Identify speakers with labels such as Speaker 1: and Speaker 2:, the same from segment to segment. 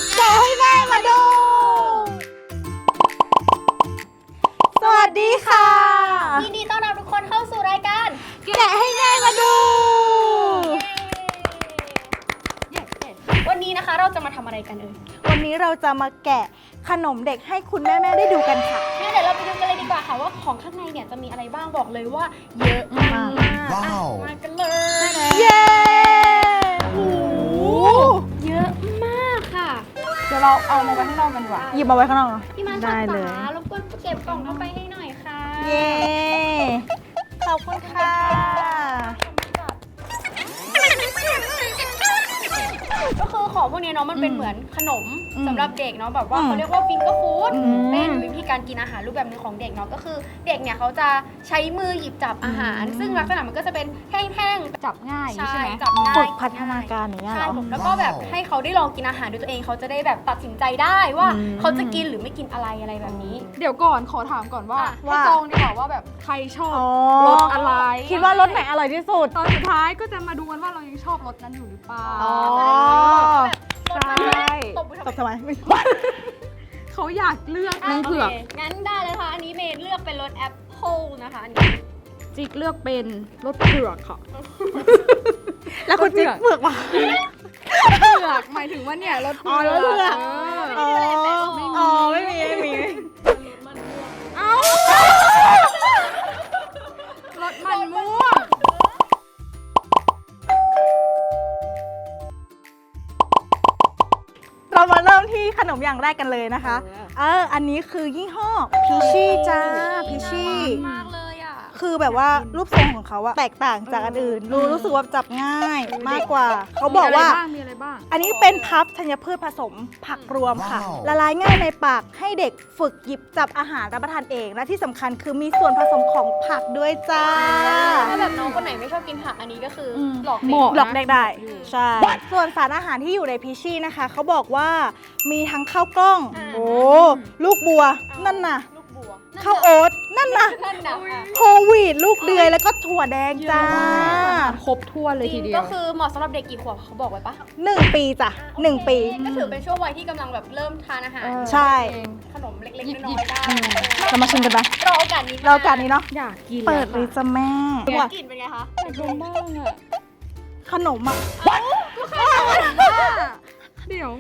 Speaker 1: แกะให้แม่มาดู สวัสดีค่ะ
Speaker 2: ยินดีต้อนรับทุกคนเข้าสู่รายการ
Speaker 1: แกะให้แม่มาดู
Speaker 2: วันนี้นะคะเราจะมาทำอะไรกันเอ่ย
Speaker 1: วันนี้เราจะมาแกะขนมเด็กให้คุณแม่ได้ดูกันค่ะ
Speaker 2: งั้นเดี๋ยวเราไปดูกันเลยดีกว่าค่ะว่าของข้างในเนี่ยจะมีอะไรบ้างบอกเลยว่าเยอะมากมากันเลย
Speaker 1: เย้
Speaker 2: โอ้เยอะมากค่ะ
Speaker 1: เดี๋ยวเราเอามาไว้ข้างนอกกันดีกว่าหยิบมาไว้ข้างนอกเนาะ
Speaker 2: พี่มาได้เลยรบกวนเก็บกล่องเข้าไปให้หน่อยค่ะ
Speaker 1: เย้ขอบคุณค่ะ
Speaker 2: ก็คือของพวกนี้เนาะมันเป็นเหมือนขนมสำหรับเด็กเนาะแบบว่าเขาเรียกว่าฟิงเกอร์ฟู้ดเป็นวิธีการกินอาหารรูปแบบนึงของเด็กเนาะก็คือเด็กเนี่ยเขาจะใช้มือหยิบจับอาหารซึ่งลักษณะมันก็จะเป็นแท่งๆ
Speaker 3: จับง่ายใช่ไหม
Speaker 2: จับง่าย
Speaker 1: ฝึกพัฒนาการอย่างเงี้ยเหรอ
Speaker 2: แล้วก็แบบให้เขาได้ลองกินอาหารด้วยตัวเองเขาจะได้แบบตัดสินใจได้ว่าเขาจะกินหรือไม่กินอะไรแบบนี้
Speaker 3: เดี๋ยวก่อนขอถามก่อนว่าให้จองดีกว่าว่าแบบใครชอบรสอะไร
Speaker 1: คิดว่ารสไหนอร่อยที่สุด
Speaker 3: ตอนสุดท้ายก็จะมาดูกันว่าเรายังชอบรสนั้นอยู่หรือเปล่า
Speaker 1: ใช่ตบทำไม
Speaker 3: เขาอยากเลือกน้องเผือก
Speaker 2: งั้นได้เลยค่ะอันนี้เมย์เลือกเป็นรสแอปเปิลนะคะอันนี้
Speaker 3: จิ๊กเลือกเป็นรสเผือกค่ะ
Speaker 1: แล้วคุณจิ๊กเผือกมา
Speaker 3: เผือกหมายถึงว่าเนี่ยรสเผือก
Speaker 1: ไม่มี
Speaker 3: เอ้ารสมันม่วง
Speaker 1: เรามาเริ่มที่ขนมอย่างแรกกันเลยนะคะอันนี้คือยี่ห้อพิชชี่จ้าพิชชี่
Speaker 2: มากเลยอ่ะ
Speaker 1: คือแบบว่ารูปทรงของเขาอะแตกต่างจากอันอื่นรู้สึกว่าจับง่ายมากกว่าเขาบอกว่า
Speaker 3: มีอะไรบ้าง
Speaker 1: อันนี้เป็นพัฟธัญพืชผสมผักรวมค่ะละลายง่ายในปากให้เด็กฝึกหยิบจับอาหารรับประทานเองและที่สำคัญคือมีส่วนผสมของผักด้วยจ้า
Speaker 2: ถ้าแบบน้องคนไหนไม่ชอบกินผักอันนี้ก็คือหลอก
Speaker 1: เด็กได้ใช่ส่วนสารอาหารที่อยู่ในพิชชี่นะคะเขาบอกว่ามีทั้งข้าวกล้องลูกบัวนั่นน่ะข้าวโอ๊ตนั่นนะโฮลวีตลูกเดือยแล้วก็ถั่วแดงจ้า
Speaker 3: ครบถ้วนเลยทีเดียว
Speaker 2: ก็คือเหมาะสำหรับเด็กกี่ขวบเขาบอกไว้ปะ
Speaker 1: 1 ปีจ้ะ1 ปี
Speaker 2: ก็ถือเป็นช่วงวัยที่กำลังแบบเริ่มทานอาหาร
Speaker 1: ใช่
Speaker 2: ขนมเล็กๆน้อยๆได้
Speaker 1: เรามาชิมกันไหม
Speaker 2: รอโอกาสนี้
Speaker 1: เนาะ
Speaker 3: อยากกิน
Speaker 1: เปิดเลยจ้ะแม่
Speaker 2: กลิ่นเป็นไงคะ
Speaker 3: ดมบ้างอะ
Speaker 1: ขนมอะ
Speaker 3: เดี๋ยว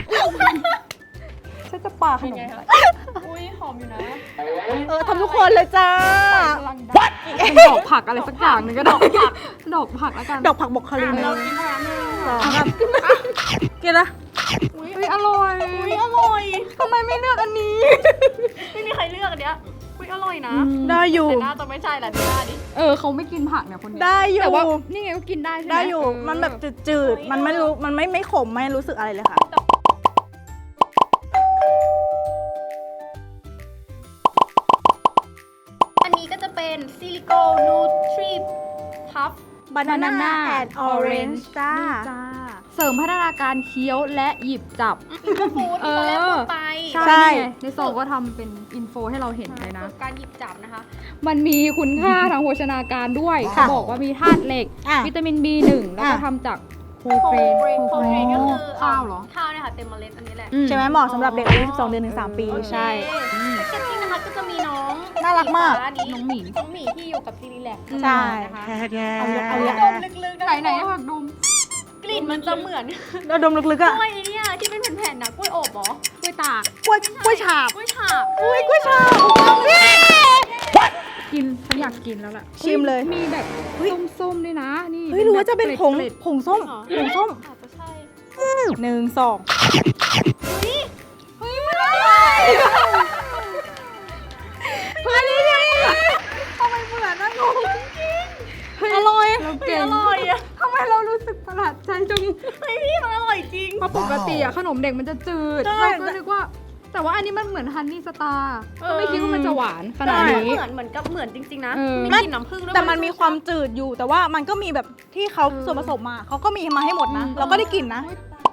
Speaker 1: ฉันจะปาขนม
Speaker 2: อุ้ยหอมอยู่นะ
Speaker 1: ทำทุกคนเลยจ้า
Speaker 3: ดอกผักอะไรสักอย่างนึงก็ดอกผักแล้วกัน
Speaker 1: ดอกผักบกคาริน
Speaker 2: เรากินพลัง
Speaker 1: กินนะ
Speaker 3: อุ้ยอร่อยทำไมไม่เลือกอันนี้
Speaker 2: ไม่มีใครเลือกอันเนี้ยอุ้ยอร่อยนะ
Speaker 1: ได้อยู่
Speaker 2: แต่น่าจะไม่ใช่แหละดูหน้าดิ
Speaker 3: เขาไม่กินผักเนี่ยคนนี้
Speaker 1: ได้อยู่
Speaker 3: แต่ว่านี่ไงก็กินได้ใช่ไหม
Speaker 1: ได้อยู่มันแบบจืดๆมันไม่รู้มันไม่ขมไม่รู้สึกอะไรเลยค่ะ
Speaker 2: อันนี้ก็จะเป็นซิลิโกนูทรีพัฟ
Speaker 1: บานาน่าแอนด์ออเรนจ์จ้า
Speaker 3: เสริมพัฒนาการเคี้ยวและหยิบจับ
Speaker 2: ฟู้ดตอนแรกพูดไป
Speaker 3: ใช่ในโซก็ทำเป็นอินโฟให้เราเห็นเลยนะ
Speaker 2: การหยิบจับนะคะ
Speaker 3: มันมีคุณค่าทางโภชนาการด้วยเขาบอกว่ามีธาตุเหล็กวิตามิน B1 แล้วก็ทำจากโฮเกรน
Speaker 2: ก็คือ
Speaker 3: ข้าวเหรอ
Speaker 2: ข้าวเนี่ยค่ะเต็มเมล็ดอันนี้แหละ
Speaker 1: ใช่ไหมเหมาะสำหรับเด็กอายุ12 เดือนถึง 3 ปีใช่
Speaker 2: แพ็กเกจจิ้งนะคะก็จะมีน้อง
Speaker 1: น่ารักมาก
Speaker 2: น้องหมีที่อยู่กับซีรีแลก
Speaker 1: ใช่
Speaker 2: เอาดมลึกๆ
Speaker 3: ไหนผักดุม
Speaker 2: กลิ่นมันจะเหมือน
Speaker 1: เราดมลึกๆอะ
Speaker 2: กล้วยเนี่ยที่เป็นแผ่นๆนะกล้วยอบหรอกล้วยตาก
Speaker 1: กล้วยฉาบ
Speaker 2: กล้วยฉาบ
Speaker 3: กินฉันอยากกินแล้วล่ะ
Speaker 1: ชิมเลย
Speaker 3: มีแบบส้มๆด้วยนะนี่
Speaker 1: รู้ว่าจะเป็นผงส้ม
Speaker 2: อาจจะใช่
Speaker 1: 1 2
Speaker 2: มันอร่อย
Speaker 1: ทำไมเหมือนนะงงอร่อย
Speaker 2: อะ
Speaker 3: ทำไมเรารู้สึกประหลาดใจจัง
Speaker 2: พี่มันอร่อยจริง
Speaker 3: เพราะปกติอะขนมเด็กมันจะจืดเราก็นึกว่าแต่ว่าอันนี้มันเหมือนฮันนี่สตาร์ก็ไม่คิดว่ามันจะหวานขนาดนี้
Speaker 2: เหมือนจริงๆนะไม่กินน้ำผึ้งด้วย
Speaker 1: แต่มันมีความจืดอยู่แต่ว่ามันก็มีแบบที่เขาส่วนผสมมาเขาก็มีมาให้หมดนะเราก็ได้กินนะ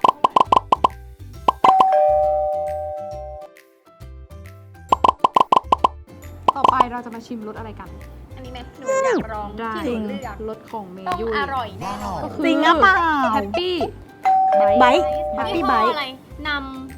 Speaker 3: ต่อไปเราจะมาชิมรสอะไรกัน
Speaker 2: อันนี้ไหมหนูอยากลองที่หนูเลือก
Speaker 3: รสของเม
Speaker 2: ยุอร่อยแน่นอน
Speaker 1: จริงหรือเปล่า
Speaker 3: แฮปปี้
Speaker 1: ไบท์
Speaker 2: แฮปปี้ไบท์อะไรน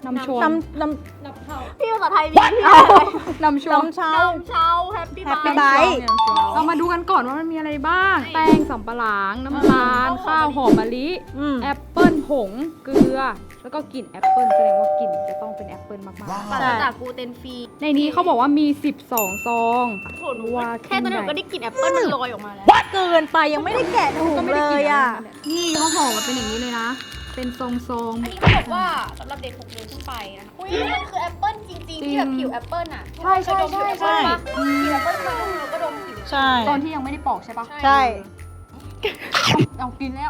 Speaker 3: น้ำชม
Speaker 1: น้
Speaker 2: พี่ภาษาไทยมี
Speaker 3: น้ำช
Speaker 1: ำ
Speaker 3: ม
Speaker 1: น้ำเช้า
Speaker 2: เช้าแฮปปี้
Speaker 1: Happy
Speaker 2: บาย
Speaker 1: Bite
Speaker 3: เรามาดูกันก่อนว่ามันมีอะไรบ้าง แป้งสำปะหลัง น้ำตาล ข้าวหอมมะลิ
Speaker 1: อืม
Speaker 3: แอปเปิ้ลผง เกลือ แล้วก็กลิ่นแอปเปิ้ลแสดงว่ากลิ่นจะต้องเป็นแอปเปิ้ลมาก
Speaker 2: ปราศจากกลูเตนฟรี
Speaker 3: ๆ ในนี้เขาบอกว่ามี 12 ซอง
Speaker 2: โหหนูว่าแค่ตอนนี้หนูก็ได้กลิ่นแอปเปิ้ลมันลอยออกมาแล้ว
Speaker 1: เกินไปยังไม่ได้แกะถุง
Speaker 3: ก็ไม่
Speaker 1: เล
Speaker 3: ได้กลิ่
Speaker 1: ย
Speaker 3: น
Speaker 1: อ่ะ
Speaker 3: นี่เขาห่อมาเป็นอย่างนี้เลยนะ เป็นทรง
Speaker 2: อันนี้เขาบอกว่าสำหรับเด็ก6 เดือนขึ้นไปนะคะอุ้ยมันคือแอปเปิ้ลจริงๆที่แบบผิวแอปเปิ้ลอ่ะ
Speaker 3: ใช่ใช่ใช่ใช่
Speaker 2: ผิวแอปเปิ้ลมาดูก็ดมผิว
Speaker 1: ใช่
Speaker 3: ๆ ตอนที่ยังไม่ได้ปอกใช่ปะ
Speaker 1: ใช่
Speaker 3: เอากินแล้ว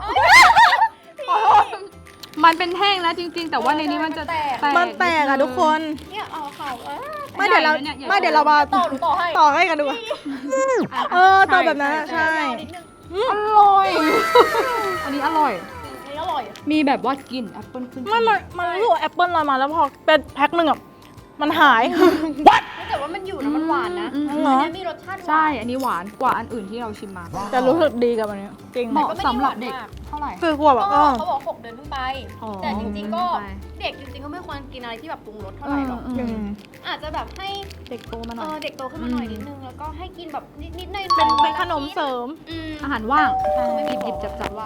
Speaker 3: มันเป็นแห้งแล้วจริงๆ แต่ว่าในนี้มันจะแตก
Speaker 1: มันแตกอะทุกคน
Speaker 2: เนี่ยเอาเขา
Speaker 1: ไม่เดี๋ยวเรา
Speaker 3: ใหญ่นะเนี่ย
Speaker 1: ไม่เดี๋ยวเรามา
Speaker 2: ต่อหนูต่อให้
Speaker 1: ต่อให้กันดูอะต่อแบบนั้นอะใช่
Speaker 2: ยาวนิดนึง
Speaker 3: อร่อย อันนี้อร่อย
Speaker 2: อันนี้อร่อย
Speaker 3: มีแบบว่ากลิ่นแอปเปิ้ลขึ้น
Speaker 1: มันรู้สึกว่าแอปเปิ้ลลอยมาแล้วพอเป็นแพ็คหนึ่งอ่ะมันหาย
Speaker 2: แต่ว่ามันอยู่นะมันหวานนะ
Speaker 1: เหรอ
Speaker 2: อันนี้มีรสชาติหวาน
Speaker 3: ใช่ อันนี้หวานกว่าอันอื่นที่เราชิมมา
Speaker 1: จะรู้สึกดีกับอันนี้จริง
Speaker 3: เหมาะสำหรับเด็กเท่าไหร่
Speaker 1: คือกลัวแบบ
Speaker 2: ก็เขาบอก6 เดือนขึ้นไป
Speaker 3: อ๋อ
Speaker 2: แต่จริงๆก็
Speaker 3: ใช่
Speaker 2: เด็กจริงๆก็ไม่ควรกินอะไรที่แบบปรุงรสเท่าไหร่หรอก
Speaker 1: อืม
Speaker 2: อาจจะแบบให้
Speaker 3: เด็กโตมาหน่อย
Speaker 2: เด็กโตขึ้นมาหน่อยนิดนึงแล้วก็ให้กินแบบนิดๆหน่อยๆ
Speaker 1: เป็นขนมเสริม
Speaker 3: อาหารว่าง
Speaker 2: ไม่มี
Speaker 3: หยิบๆจับๆว่าง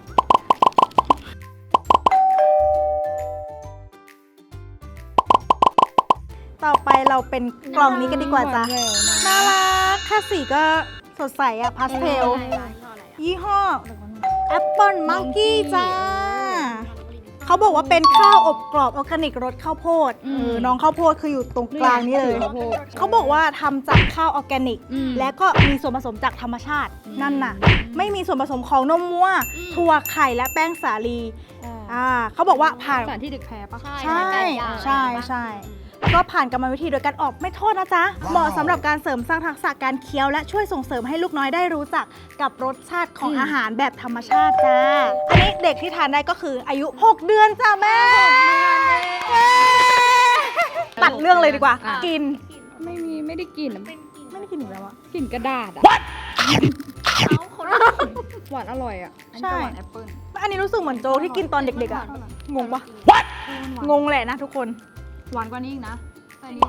Speaker 1: ต่อไปเราเป็นกล่องนี้กันดีกว่าจ้ะ น่ารักแค่สีก็สดใสอะพาสเทล ยี่ห้อแอปเปิลมังกี้จ้า เขาบอกว่าเป็นข้าวอบกรอบออร์แกนิกรสข้าวโพดน้องข้าวโพดคืออยู่ตรงกลางนี้เลย
Speaker 3: ข้าวโพด
Speaker 1: เขาบอกว่าทำจากข้าวออร์แกนิก
Speaker 3: อืม
Speaker 1: และก็มีส่วนผสมจากธรรมชาติ นั่นน่ะ ไม่มีส่วนผสมของนมวัวถั่วไข่และแป้งสาลีเขาบอกว่าผ่าน
Speaker 3: สารที่เด็กแพ้ปะ
Speaker 1: ใช่ใช่ใช่แล้วก็ผ่านกรรมวิธีโดยการออกไม่โทษนะจ๊ะ เหมาะสำหรับการเสริมสร้างทักษะการเคี้ยวและช่วยส่งเสริมให้ลูกน้อยได้รู้จักกับรสชาติของอาหารแบบธรรมชาติจ้า อันนี้เด็กที่ทานได้ก็คืออายุ 6 เดือนจ้าแม่เย้ตัดเรื่องเลยดีกว่า กิน
Speaker 3: ไม่ได้กลิ่น
Speaker 1: ไม่ได้กินอีกแล้วอะ
Speaker 3: กลิ่นกระดาษอะ
Speaker 2: เขาคนละ
Speaker 3: หวานอร่อยอะอันนี้
Speaker 1: ใช่
Speaker 3: ก็หวานแอปเปิ้ล
Speaker 1: อันนี้รู้สึกเหมือนโจ๊กที่กินตอนเด็กๆอะงงปะงงแหละนะทุกคน
Speaker 3: หวานกว่านี้อีกนะแต่อันนี้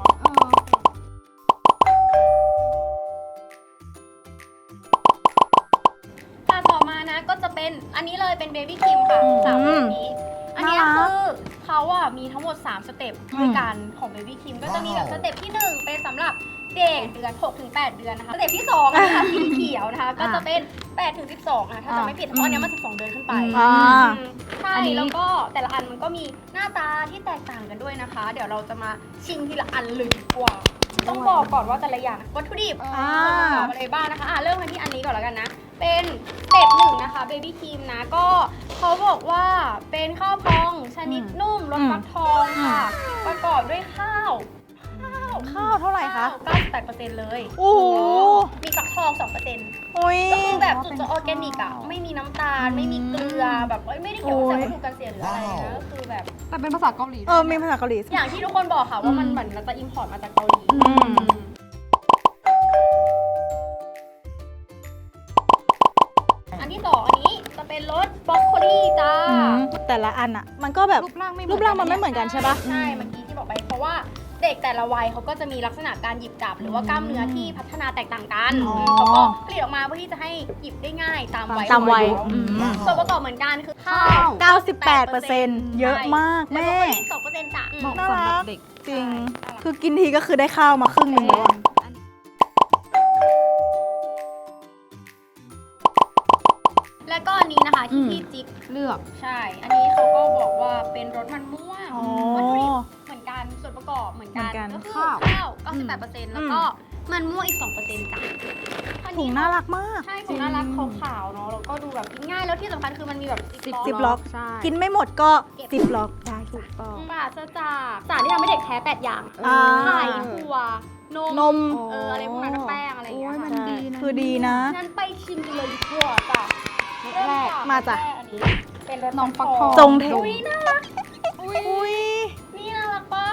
Speaker 2: ต่อมานะก็จะเป็นอันนี้เลยเป็นเบบี้ครีมค่ะสามแบบนี้ อันนี้
Speaker 1: น่ารัก
Speaker 2: คือเขาอะมีทั้งหมด3 สเต็ปด้วยกันของเบบี้ครีมก็จะมีแบบสเต็ปที่ 1 เป็นสำหรับเด็กเดือน6 ถึง 8 เดือนนะคะสเต็ปที่2นะคะสีเขียวนะคะก็จะเป็น8 ถึง 12นะคะถ้าจะไม่ผิดเพราะอันเนี้ยมัน12 เดือนขึ้นไป ใช่ แล้วก็แต่ละอันมันก็มีหน้าตาที่แตกต่างกันด้วยนะคะ เดี๋ยวเราจะมาชิมทีละอันเลยดีกว่า ต้องบอกก่อนว่าแต่ละอย่างวัตถุดิบส่วนประกอบอะไรบ้างนะคะเริ่มกันที่อันนี้ก่อนแล้วกันนะ เป็นสเต็ป1นะคะเบบี้ครีมนะก็เขาบอกว่าเป็นข้าวพองชนิดนุ่มรสฟักทองค่ะ ประกอบด้วยข้าว
Speaker 1: ข้าวเท่าไหร่คะ
Speaker 2: 98%เลย
Speaker 1: โอ้โห
Speaker 2: มีฟักทอง 2%
Speaker 1: โอ้ย
Speaker 2: ก็คือแบบสุดจะออร์แกนิกอะไม่มีน้ำตาล ไม่มีเกลือแบบไม่ได้เกี่ยวกับสารวัตถุกันเสียหรืออะไรนะก็คือแบบ
Speaker 3: แต่เป็นภาษาเกาหลี
Speaker 1: มีภาษาเกาหลี
Speaker 2: อย่างที่ทุกคนบอกค่ะว่ามันเหมือนเราจะอิมพอร์ตมาจากเกาหลี อันที่ 2 อันนี้จะเป็นรสบรอกโคลีจ้า
Speaker 1: แต่ละอันอะมันก็แบบ
Speaker 3: รูปร่างไม่
Speaker 1: รูปร่างมันไม่เหมือนกันใช่ปะ
Speaker 2: ใช่เมื่อกี้ที่บอกไปเพราะว่าเด็กแต่ละวัยเขาก็จะมีลักษณะการหยิบจับหรือว่ากล้ามเนื้อที่พัฒนาแตกต่างกัน
Speaker 1: อ๋อ
Speaker 2: เขาก็ผลิตออกมาเพื่อที่จะให้หยิบได้ง่ายตามวัย
Speaker 1: ตามวัย
Speaker 2: ของน้องส่วนประกอบเหมือนกันคือข้าว
Speaker 1: 98%เยอะมากแม่
Speaker 2: แล้วก็2%จ้ะ
Speaker 3: เหมาะสำหรับเด็ก
Speaker 1: จริง คือกินทีก็คือได้ข้าวมาครึ่งหนึงแล้วอะ
Speaker 2: แล้วก็อันนี้นะคะที่พี่จิ๊ก
Speaker 3: เลือก
Speaker 2: ใช่ อันนี้เขาก็บอกว่าเป็นรสมันม่วง
Speaker 1: อ๋อ
Speaker 2: วัตถุดิบเหมือนกัน ส่วนประกอบเหมือนกัน
Speaker 1: เหมือนกัน
Speaker 2: ก็คือ
Speaker 3: ข้าว
Speaker 2: ข้าว 98%แล้วก็มันม่วงอีก 2%จ้ะอัน
Speaker 1: ถุ
Speaker 2: นี้
Speaker 1: งน่ารักมาก
Speaker 2: ใช่ถุงน่ารักขาวๆเนาะ แล้วก็ดูแบบกินง่าย แล้วที่สำคัญคือมันมีแบบ
Speaker 1: ซิปล็อก
Speaker 3: ใช่
Speaker 1: กินไม่หมดก็ซิปล็อกได้
Speaker 3: ถูกต้อง
Speaker 2: ปราศจากสารที่ทำให้เด็กแพ้8 อย่าง
Speaker 1: อ่า
Speaker 2: ไข่ถั่วนม
Speaker 1: นม
Speaker 2: อะไรพวกนั้นนะแป้งอะไรอย่างเงี้ย
Speaker 3: โอ้ยมั
Speaker 2: ค่ะ
Speaker 3: นดีนะ
Speaker 1: คือดีนะ
Speaker 2: งั้นไปชิมกันเลยดีกว่าจ้ะ
Speaker 3: แรก
Speaker 1: มาจ้ะ
Speaker 2: รสแรกอันนี้เป็นรส
Speaker 3: น้องฟักทอง
Speaker 1: จงเท
Speaker 2: อุ้ยน่ารัก
Speaker 1: อุ้ย
Speaker 2: นี่น่ารักปะ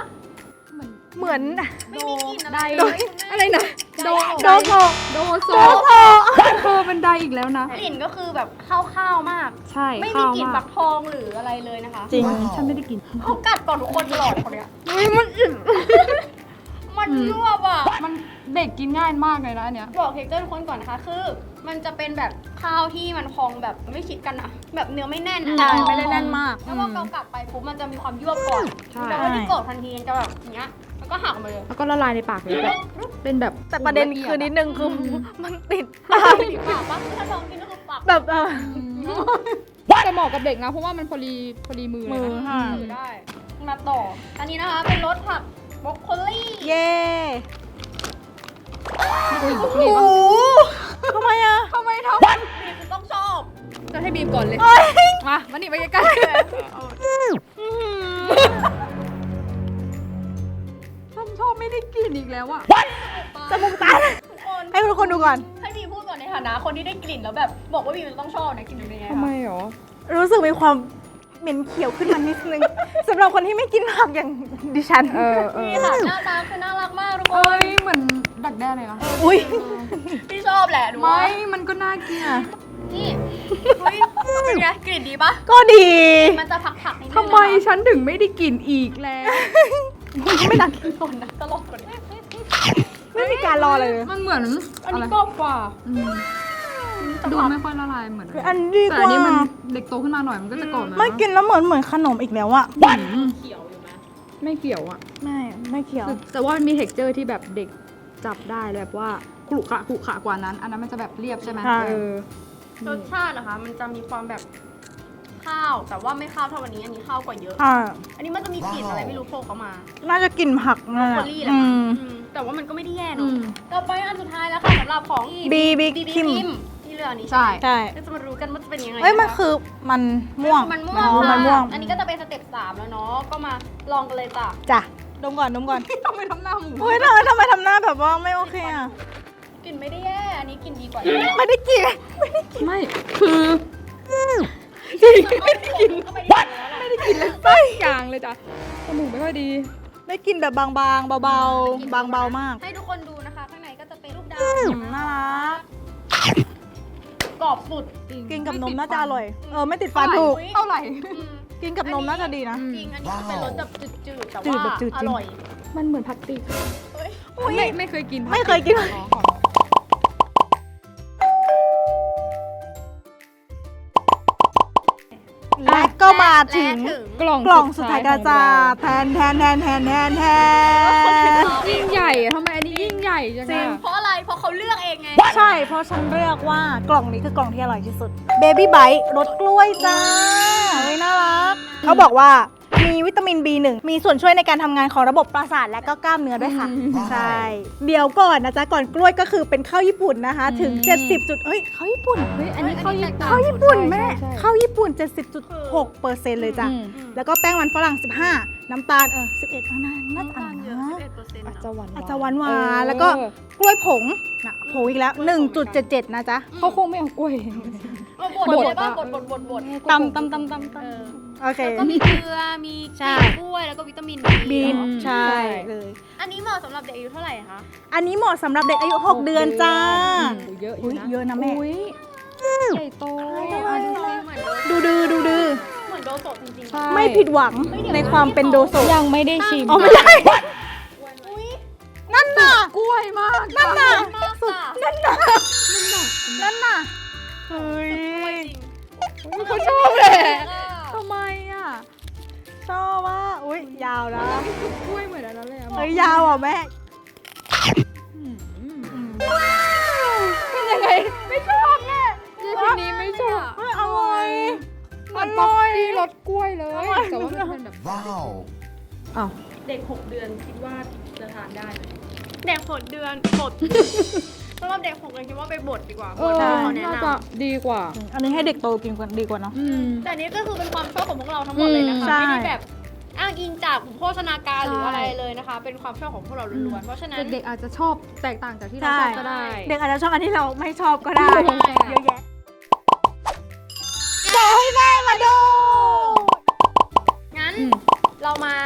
Speaker 1: เหมือน
Speaker 2: ไม่มีกลิ่นอะไร
Speaker 3: ได้
Speaker 2: เลยคุณแม่
Speaker 3: อะไรนะ
Speaker 2: โด
Speaker 1: โดโซ
Speaker 3: โดโซ
Speaker 1: โดโซ
Speaker 3: เธอเป็นไดอีกแล้วนะ
Speaker 2: กลิ่นก็คือแบบข้าวๆมาก
Speaker 3: ใช่
Speaker 2: ไม่มี
Speaker 3: ข้าว
Speaker 2: กลิ่น
Speaker 3: มา
Speaker 2: ฟักทองหรืออะไรเลยนะคะ
Speaker 1: จริง
Speaker 3: ฉันไม่ได้กิน
Speaker 2: เขากัดก่อนทุกคนตลอดคนเนี้ย
Speaker 3: มันอิ่ม
Speaker 2: มันยวบอ่ะ
Speaker 3: มันเด็กกินง่ายมากเลยนะอันเนี้ย
Speaker 2: บอกเท็กเจอร์ทุกคนก่อนนะคะ คือมันจะเป็นแบบข้าวที่มันพองแบบไม่คิดกันอะแบบเนื้อไม่แน่นอะ
Speaker 1: ใช่ไม่ได้แน่นมาก
Speaker 2: แล้วพอเกากัดไปปุ๊บมันจะมีความยวบก่อน
Speaker 3: ใช่
Speaker 2: แต่ว่าที่กดทันทีมันจะแบบอย่างเงี้ยแล้วก็หักออกมาเลย
Speaker 3: แล้วก็ละลายในปากเลยแบบเป็นแบบ
Speaker 1: แต่ประเด็นคือนิดนึงคือมันติดปาก
Speaker 2: ปากปะถ้าลองกินก็คือปาก
Speaker 1: แบบ
Speaker 3: จะเหมาะกับเด็กนะ เพราะว่ามันพอดีมือเลย
Speaker 1: มือ
Speaker 3: นะ
Speaker 1: ค่ะ
Speaker 2: ถือได้ มาต่อ อันนี้นะคะเป็นรสผักบรอกโคลี่
Speaker 1: เย้
Speaker 3: อุ้ย
Speaker 1: โอ้
Speaker 3: นี่
Speaker 1: โห
Speaker 3: ปะ
Speaker 1: ทำไมอะ
Speaker 3: ทำไมท
Speaker 2: นี่คือต้องชอบ
Speaker 3: ำจะให้บีมก่อนเลย
Speaker 1: เอ้ย
Speaker 3: มานี่ไปใกล้ๆชอบไม่ได้กินอีกแล้วอะ
Speaker 1: จมูกตัน
Speaker 2: ทุกคน
Speaker 1: ให้ทุกคนดูก่อน
Speaker 2: ให้บีพูดก่อนในฐานะคนที่ได้กลิ่นแล้วแบบบอกว่าบีมันต้องชอบนะกลิ่นเป็นยังไง
Speaker 3: ทำไม
Speaker 2: คะ
Speaker 3: หรอ
Speaker 1: รู้สึกมีความเหม็นเขียวขึ้นมานิดนึงสำหรับคนที่ไม่กินผักอย่างดิฉัน
Speaker 2: นี่ค่ะหน้าตาคือน่ารักมากทุกค
Speaker 3: เอ้
Speaker 2: น
Speaker 3: ยเหมือนดักแด้เลยนะ
Speaker 1: อุ้ย
Speaker 2: พี่ชอบแหละดู
Speaker 3: ไม่
Speaker 2: ว่า
Speaker 3: มันก็น่ากิน
Speaker 2: นี่เฮ้ยเป็นไงกลิ่นดีปะ
Speaker 1: ก็ดี
Speaker 2: มันจะผักๆนิดนึง
Speaker 3: ทำไมฉันถึงไม่ได้กินอีกแล้ว
Speaker 1: ไม่ตัก
Speaker 2: ตนนะตลกกว่านี้
Speaker 1: ไม่มีการรอเลย
Speaker 3: มันเหมือน
Speaker 2: อันนี้กรอบกว่า
Speaker 3: อืมดูไม่ค่อยละลายเหมือน
Speaker 1: อันดี
Speaker 3: แต่
Speaker 1: ก
Speaker 3: อัน
Speaker 1: ว่า
Speaker 3: นี้มันเด็กโตขึ้นมาหน่อยมันก็จะกรอบนะ
Speaker 1: ไม่กินแล้วเหมือนขนมอีกแล้วอะ
Speaker 3: อืม
Speaker 2: เขียวอยู่ไหม
Speaker 3: ไม่เกี่ยวอ่ะ
Speaker 1: ไม่เขียว
Speaker 3: แต่ว่ามี texture ที่แบบเด็กจับได้แบบว่าขรุขระกว่านั้น อันนั้นมันจะแบบเรียบใช่ไหม
Speaker 1: ใช่
Speaker 2: รสชาตินะคะ มันจะมีความแบบข้าว แต่ว่าไม่ข้าวเท่าวันนี้ อันนี้ข้าวกว่าเยอะ
Speaker 1: อ่า
Speaker 2: อันนี้มันจะมีกลิ่นอะไรไม่รู้โผล่เข้ามา
Speaker 1: น่าจะกินผัก
Speaker 2: บร
Speaker 1: นั่
Speaker 2: อน ก
Speaker 1: แห
Speaker 2: โค
Speaker 1: ละ
Speaker 2: ลี่แหละ
Speaker 1: อื
Speaker 2: มั้ง
Speaker 1: ม
Speaker 2: แต่ว่ามันก็ไม่ได้แย่
Speaker 3: อื
Speaker 2: เนาะ
Speaker 3: ม
Speaker 2: ต่อไปอันสุดท้ายแล้วค่ะสำหรับของ
Speaker 1: บีบี
Speaker 2: บี
Speaker 1: คิม
Speaker 2: ที่เหลือนี้
Speaker 3: ใช่
Speaker 1: ใช่
Speaker 2: ก็จะมารู้กันว่าจะเป็นยังไง
Speaker 1: เอ้ยมัน
Speaker 2: ะะ
Speaker 1: คือมันม่วง
Speaker 2: มันม่วง
Speaker 1: อ๋อ
Speaker 2: ค่ะ
Speaker 1: มันม่วง
Speaker 2: อันนี้ก็จะเป็นสเต็ป3แล้วเนาะ ก็มาลองกันเลยจ้ะ
Speaker 1: จ้ะดมก่อนดมก่อน
Speaker 3: ทำไมทำหน้าหมู
Speaker 1: โอ้ยทำไมทำหน้าแบบว่าไม่โอเคอะ
Speaker 2: กลิ่นไม่ได้แย่ อันนี้กลิ่นดีกว่า
Speaker 1: ไม่ได้กิน
Speaker 3: ไม่คือ
Speaker 2: ไม่ได้กินก็ไม่ได้กินแล้วแหละ
Speaker 3: ไม่ได้กินเลยสักอย่างเลยจ้ะจมูกไม่ค่อยดี
Speaker 1: ได้กินแบบบางๆเบาๆบางเบามาก
Speaker 2: ให้ทุกคนดูนะคะ ข้างในก็จะเป็นลูกดาว
Speaker 1: น่ารัก
Speaker 2: กรอบสุด
Speaker 1: กินกับนมน่าจะอร่อยไม่ติดฟันถูก
Speaker 3: เท่าไหร่
Speaker 2: อืม
Speaker 1: กินกับนมน่าจะดีนะ
Speaker 2: จริง อันนี้คือเป็นรสแบบจืดๆ แต่
Speaker 1: จืด
Speaker 2: ว่า
Speaker 1: แบบจืดจริ
Speaker 2: อง ร่อย
Speaker 3: มันเหมือนพลาสติก
Speaker 2: เฮ้ย
Speaker 3: ไม่เคยกิน
Speaker 1: ไม่เคยกิน และก็มาถึง
Speaker 3: กล่อง
Speaker 1: กล่องสุดท้ายกระจา
Speaker 3: ของ
Speaker 1: แทน
Speaker 3: เรายิ่งใหญ่อะทำไมอันนี้ยิ่งใหญ่จัง
Speaker 1: จริง
Speaker 3: อะ
Speaker 2: เพราะอะไร เพราะเขาเลือกเองไง
Speaker 1: ใช่ เพราะฉันเลือกว่ากล่องนี้คือกล่องที่อร่อยที่สุด Baby Bite รสกล้วยจ้าเฮ้ยน่ารัก เขาบอกว่ามีวิตามิน B1 มีส่วนช่วยในการทำงานของระบบประสาทและก็กล้ามเนื้อด้วยค่ะ ใช่ เดี๋ยวก่อนนะจ๊ะ ก่อนกล้วยก็คือเป็นข้าวญี่ปุ่นนะคะ ถึง 70 จุดเฮ้ยข้าวญี่ปุ่น
Speaker 3: เฮ้ยอันนี้เข้าญี่ปุ่น
Speaker 1: ข้าวญี่ปุ่นแม่
Speaker 3: ใช่
Speaker 1: ข้าวญี่ปุ่น 70.6% เลยจ้ะ
Speaker 3: อืม
Speaker 1: แล้วก็แป้งมันฝรั่ง 15 น้ำตาล11น่าจะอ่านนะ
Speaker 3: อาจจะหวาน
Speaker 1: อาจจะหวานๆแล้วก็กล้วยผงนะผงอีกแล้ว 1.77 นะจ๊ะ
Speaker 3: เขาคงไม่เอากล้วย
Speaker 2: บดเลยป่ะบด
Speaker 1: ตำโอเค
Speaker 2: แล้วก็มีเกลือ มี
Speaker 1: ใช่
Speaker 2: กล้วย แล้วก็วิตามิน
Speaker 1: บีน
Speaker 2: เนอะ
Speaker 1: ใช่เลย
Speaker 2: อันนี้เหมาะสำหรับเด็กอายุเท่าไหร่คะ
Speaker 1: อันนี้เหมาะสำหรับเด็กอายุ 6 เดือนจ้า
Speaker 3: เยอะอ
Speaker 1: อุ๊
Speaker 3: ยู่
Speaker 1: ย
Speaker 3: นะ
Speaker 1: เยอะนะแม่
Speaker 3: อุ๊ยใหญ่โต
Speaker 1: ดูดื้อ
Speaker 2: เหมือนโดโซะจริงๆ
Speaker 3: ใช่
Speaker 1: ไม่ผิดหวังในความเป็นโดโซะ
Speaker 3: ยังไม่ได้ชิม
Speaker 1: อ๋อไม่ได้
Speaker 2: อุ้ย
Speaker 1: นั่นน่ะ
Speaker 3: กล้วยมาก
Speaker 1: นั่นน่ะ
Speaker 2: มากค่ะ
Speaker 1: นั่นน่ะเฮ้ย
Speaker 3: เขาชอบเลยทำไมอ่ะ
Speaker 1: ชอบว่าอุ้ยยาวนะ
Speaker 3: กล้วยเหมือนอันนั้นเลยอ่ะ
Speaker 1: เฮ้ยยาวอ่ะแม่
Speaker 3: เป็นยังไง ไม่ชอบแม่ยี่ปีนี้ไม่ชอบ
Speaker 1: เฮ้ยอร่อย
Speaker 3: เหมือนป๊อปปี้รสกล้วยเลย แต่ว่ามันเป็นแบบ
Speaker 4: Wow.
Speaker 3: อ้าว
Speaker 2: เด็ก 6 เดือนคิดว่าจะทานได้ไหมเด็ก 6 เดือนบดสำหรับเด็ก 6 เดือนคิดว่าไปบดดีกว่า
Speaker 3: เอบ
Speaker 2: ด
Speaker 3: อ
Speaker 2: ที่เขาแนะ
Speaker 3: น่าน จะดีกว่า
Speaker 1: อันนี้ให้เด็กโตกินกันดีกว่าเนาะ
Speaker 2: ำแต่อันนี้ก็คือเป็นความชอบของพวกเราทั้งหมดเลยนะคะ
Speaker 1: ใช่
Speaker 2: ไม่ได้แบบอ้างอิงจากโภชนาการหรือ
Speaker 3: ใช่
Speaker 2: อะไรเลยนะคะ เป็นความชอบของพวกเราล้วนๆเพราะฉะนั้น
Speaker 3: เด็กๆอาจจะชอบแตกต่างจากที่เราชอบก็ได้
Speaker 1: เด็กอาจจะชอบอันที่เราไม่ชอบก็ได้
Speaker 3: ใช่
Speaker 1: เยอะแยะจะให้แม่มาดู
Speaker 2: งั้น
Speaker 3: อืม
Speaker 2: เรามา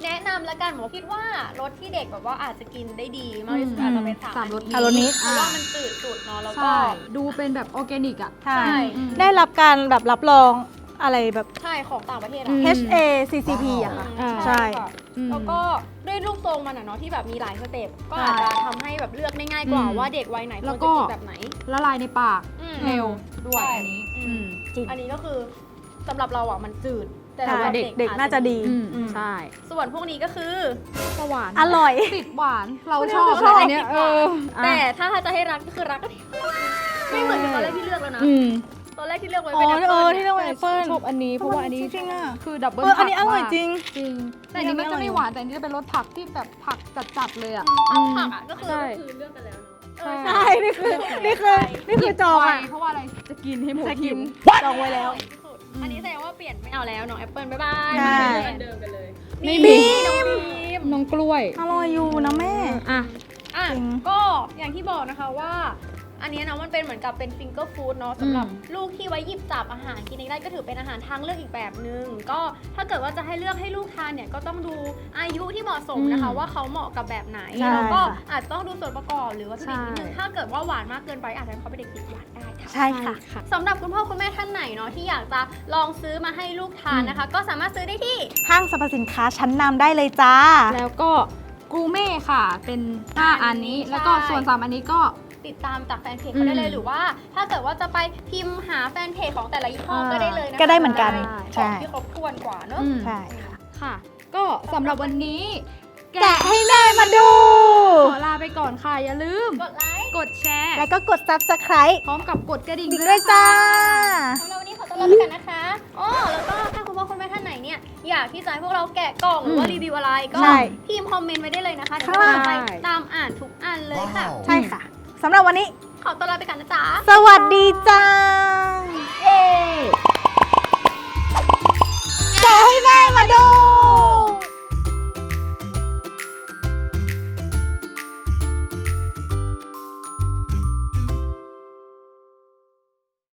Speaker 2: แนะนำละกันหมอคิดว่ารสที่เด็กแบบว่าอาจจะกินได้ดีมากที่สุดอาจจะเป็น
Speaker 3: สามรส
Speaker 1: รสนี้
Speaker 2: เพราะว่ามันจืดสุดเนาะแล้วก็
Speaker 3: ใช่ ดูเป็นแบบออร์แกนิกอ่ะ
Speaker 1: ใช่
Speaker 2: ใช่
Speaker 1: ได้รับการแบบรับรองอะไรแบบ
Speaker 2: ใช่ของต่างประเทศ
Speaker 3: อื
Speaker 2: อะ
Speaker 3: ม
Speaker 1: HACCP อะค่ะ
Speaker 3: อ่า
Speaker 1: ใช่
Speaker 2: ค่ะ
Speaker 3: อืม
Speaker 2: แล้วก็ด้วยรูปทรงมันอะเนาะที่แบบมีหลายสเต็ปก็อาจจะทำให้แบบเลือกได้ง่ายกว่า
Speaker 3: อืม
Speaker 2: ว่าเด็กวัยไหนคว
Speaker 3: แล้
Speaker 2: ร
Speaker 3: ว
Speaker 2: จะ
Speaker 3: ก็
Speaker 2: กินแบบไหน
Speaker 3: ละลายในปาก
Speaker 2: อืม
Speaker 3: เร็วด้วย
Speaker 2: ใช่
Speaker 3: อันนี้
Speaker 2: อืม
Speaker 1: จริง
Speaker 2: อันนี้ก็คือสำหรับเราอ่ะมันจืด แต่
Speaker 1: ใช่
Speaker 2: สำหรับ
Speaker 1: เด็ก
Speaker 2: อ
Speaker 1: น่าจะดี
Speaker 3: ใช่
Speaker 2: ส่วนพวกนี้ก็คือ
Speaker 3: หวาน
Speaker 1: อร่อย
Speaker 3: ติดหวาน เรา
Speaker 2: ไม่ได้
Speaker 3: ชอบ
Speaker 2: ชอบ
Speaker 3: อันเนี้ย
Speaker 2: ติดหวาน
Speaker 3: อ่ะ
Speaker 2: แต่ถ้าจะให้รักก็คือรักก็ไม่เหมือนกับตอนแรกที่เลือกแล้วนะ
Speaker 3: อืม
Speaker 2: ตอนแรกที่เลือกไว้
Speaker 1: อ๋
Speaker 2: เป็น
Speaker 1: อ
Speaker 2: แอปเปิ้ล
Speaker 1: ที่เรียกว่าแอปเปิ้ล
Speaker 3: ชอบอันนี้เพราะว่าอันนี้
Speaker 1: จริงๆอะ
Speaker 3: คือดับเบิล
Speaker 1: อันนี้อร่อยจริง
Speaker 3: จริง แต่อันนี้มันจะไม่หวานแต่อันนี้จะเป็นรสผักที่แบบผักจัดๆเลยอ่ะ
Speaker 2: ผักอ่ะก็คือ
Speaker 3: ใช่
Speaker 2: เลือกกันแล้วเนาะ
Speaker 3: ใช่
Speaker 1: ใช่นี่คือจองอะ
Speaker 3: เพราะว่าอะไรจะกินให้หมด
Speaker 1: จะกิ
Speaker 3: หิ
Speaker 1: น
Speaker 3: ว
Speaker 1: จองไว้แล้ว
Speaker 2: อันนี้แสดงว่าเปลี่ยนไม่เอาแล้วน้องแอปเปิ้ลบ๊ายบาย
Speaker 1: ใช่
Speaker 2: อันเดิมกันเลย
Speaker 3: ไม่
Speaker 2: มี
Speaker 3: มี
Speaker 2: น้องบีม
Speaker 3: น้องกล้วย
Speaker 1: อร่อยอยู่นะแม่
Speaker 3: อ่ะ
Speaker 2: อ่ะ
Speaker 1: จริง
Speaker 2: ก็อย่างที่บอกนะคะว่า อันเนี้ยนะมันเป็นเหมือนกับเป็นฟิงเกอร์ฟู้ดเนาะสำหรับลูกที่ไว้หยิบจับอาหารกินเองได้ก็ถือเป็นอาหารทางเลือกอีกแบบนึงก็ถ้าเกิดว่าจะให้เลือกให้ลูกทานเนี่ยก็ต้องดูอายุที่เหมาะสมนะคะ ว่าเขาเหมาะกับแบบไหน
Speaker 1: ใช่
Speaker 2: แล้วก็
Speaker 1: ค่ะ
Speaker 2: อาจจะต้องดูส่วนประกอบหรือวัตถุดิบนิดนึง
Speaker 3: ใช่
Speaker 2: ถ้าเกิดว่าหวานมากเกินไปอาจจะทำให้เขาเป็นเด็กติดหวานได้ค่ะ
Speaker 1: ใช่ค่ะ
Speaker 2: สำหรับคุณพ่อคุณแม่ท่านไหนเนาะที่อยากจะลองซื้อมาให้ลูกทานนะคะ ก็สามารถซื้อได้ที่
Speaker 1: ห้างสรรพสินค้าชั้นนำได้เลยจ้า
Speaker 3: แล้วก็กรูเม่ค่ะ เป็น 5 อันนี้
Speaker 2: ใช่
Speaker 3: แล้วก็ส่วน 3 อันนี้ก็
Speaker 2: ติดตามจากแฟนเพจเขาได้เลย
Speaker 3: อืม
Speaker 2: หรือว่า ถ้าเกิดว่าจะไปพิมพ์หาแฟนเพจของแต่ละยี่ห้อก็ได้เลยนะคะ
Speaker 1: ก็ได้เหมือนกัน
Speaker 2: ข
Speaker 1: ใช่
Speaker 2: องที่ครบถ้วนกว่าเนอะ
Speaker 3: อืม
Speaker 1: ใช่ค่ะ
Speaker 3: ค่ะ ก็สำหรับวันนี้
Speaker 1: แกะให้แม่มาดู
Speaker 3: ขอลาไปก่อนค่ะ อย่าลืม
Speaker 2: กดไลค์
Speaker 3: กดแชร์
Speaker 1: แล้วก็กด subscribe
Speaker 3: พร้อมกับกดกระดิ่ง
Speaker 1: ด้วยจ้า
Speaker 2: สำหรับวันนี้ขอตัวลาไปกันนะคะอ๋อแล้วก็ถ้าคุณพ่อคุณแม่ท่านไหนเนี่ยอยากที่จะให้พวกเราแกะกล่องหรือว่ารีวิวอะไรก็
Speaker 1: ใช่
Speaker 2: พิมพ์คอมเมนต์ไว้ได้เลยนะคะเดี๋ยว
Speaker 1: ค่ะ
Speaker 2: เราจะไปตามอ่านทุกอันเลยค่ะ
Speaker 1: ใช่ค่ะสำหรับวันนี้
Speaker 2: ขอตัวลาไปกันนะจ๊ะ
Speaker 1: สวัสดีจ้า
Speaker 3: เอ๊
Speaker 1: แกะให้แม่มาดู